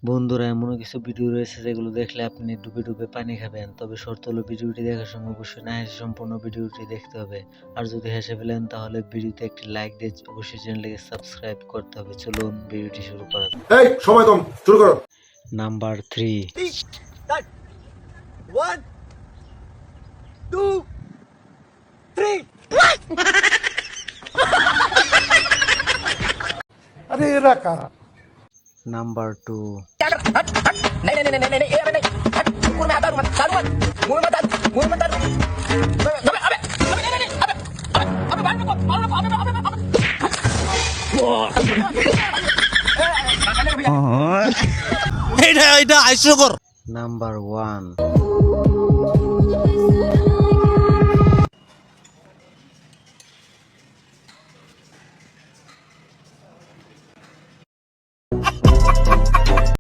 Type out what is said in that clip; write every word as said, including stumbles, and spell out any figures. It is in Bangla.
বন্ধুরা, এমনও কিছু ভিডিও রয়েছে যেগুলো দেখলে আপনি ডুবে ডুবে পানি খাবেন। তবে শর্ত হলো ভিডিওটি দেখার সময় অবশ্যই না হেসে সম্পূর্ণ ভিডিওটি দেখতে হবে। আর যদি হেসে ফেলেন তাহলে ভিডিওতে একটি লাইক দিয়ে অবশ্যই চ্যানেলটিকে সাবস্ক্রাইব করতে হবে। চলুন ভিডিওটি শুরু করা যাক। এই সময় কম, শুরু করো। Number three. One, two, three. আরে এরা কারা? Number two. नहीं नहीं नहीं नहीं नहीं अबे नहीं हट मुंह में आता मत चालू मत मुंह में मत मुंह में मत अबे अबे अबे नहीं नहीं अबे अबे बाहर निकल बाहर निकल अबे अबे अबे এটা এটা হাস্যকর। Number one.